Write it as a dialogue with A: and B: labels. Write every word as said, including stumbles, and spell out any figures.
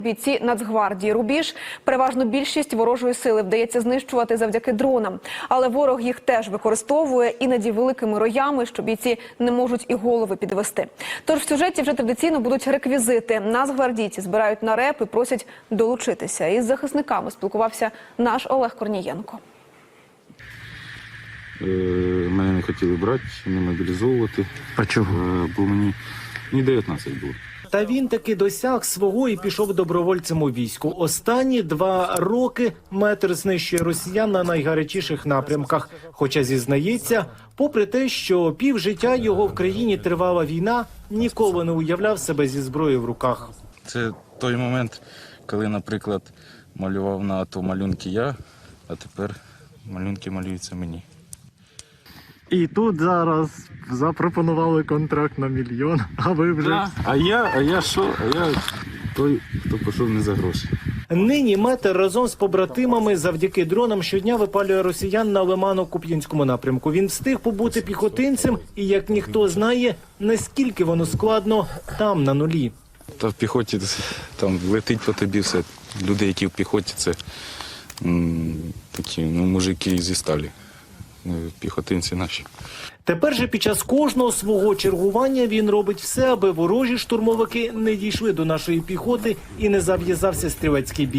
A: Бійці Нацгвардії рубіж, переважно більшість ворожої сили вдається знищувати завдяки дронам. Але ворог їх теж використовує, іноді великими роями, що бійці не можуть і голови підвести. Тож в сюжеті вже традиційно будуть реквізити. Нацгвардійці збирають на реп і просять долучитися. Із захисниками спілкувався наш Олег Корнієнко.
B: Мене не хотіли брати, не мобілізовувати.
C: А чого?
B: Бо мені не дев'ятнадцять було.
C: Та він таки досяг свого і пішов добровольцем у війську. Останні два роки метр знищує росіян на найгарячіших напрямках. Хоча зізнається, попри те, що півжиття його в країні тривала війна, ніколи не уявляв себе зі зброєю в руках.
B: Це той момент, коли, наприклад, малював на АТО малюнки я, а тепер малюнки малюються мені.
D: І тут зараз запропонували контракт на мільйон, а ви вже...
B: Да. А я, а я що? А я той, хто пішов не за гроші.
C: Нині метр разом з побратимами завдяки дронам щодня випалює росіян на Лимано-Куп'янському напрямку. Він встиг побути піхотинцем і, як ніхто знає, наскільки воно складно там, на нулі.
B: Та в піхоті там летить по тобі все. Люди, які в піхоті, це м, такі ну, мужики зі сталі. Піхотинці наші.
C: Тепер же під час кожного свого чергування він робить все, аби ворожі штурмовики не дійшли до нашої піхоти і не зав'язався стрілецький бій.